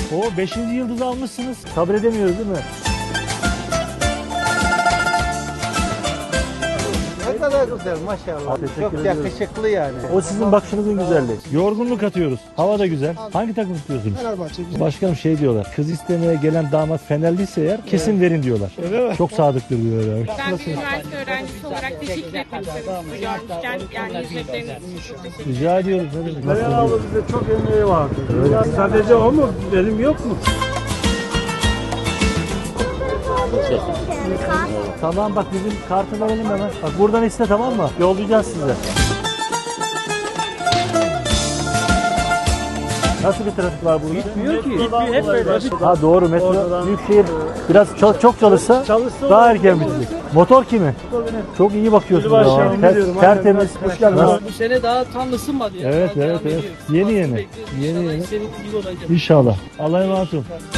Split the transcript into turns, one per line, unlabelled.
O 5. yıldızı almışsınız. Sabredemiyoruz değil mi?
Ne kadar güzel maşallah.
Teşekkür
Çok
ediyoruz.
yakışıklı yani.
O sizin bakışınızın güzelliği. Yorgunluk atıyoruz. Hava da güzel. Hangi takım tutuyorsunuz?
Fenerbahçe güzel.
Başkanım şey diyorlar. Kız istemeye gelen damat Fenerliyse eğer kesin verin diyorlar. Çok sadıktır diyorlar.
Ben bir üniversite öğrencisi olarak teşekkür etmek istedim sizi görmüşken. Yani hizmetleriniz için çok teşekkür ederim.
Rica ediyoruz. Ne demek? Nasıl
Meral abla
oluyor?
bize çok emeği vardı. Sadece o mu? Benim yok mu?
Tamam bak bizim kartı verelim hemen. Bak buradan iste tamam mı? Yollayacağız size. Nasıl bir trafik var burada?
Gitmiyor ki. Hep böyle.
Ha doğru metro büyükşehir biraz çok çalışsa daha erken bitecek. Motor kimi? Çok iyi bakıyorsunuz.
Yılbaşı
ama.
yanımı diyorum,
Tertemiz.
aynen.
Bu sene daha tam ısınmadı ya.
Evet,
Daha
evet,
devam
evet.
ediyor.
Yeni
Nasıl
yeni.
bekliyoruz?
Yeni
İnşallah
yeni.
istediğimiz gibi olacak.
İnşallah. Allah'a emanet olun.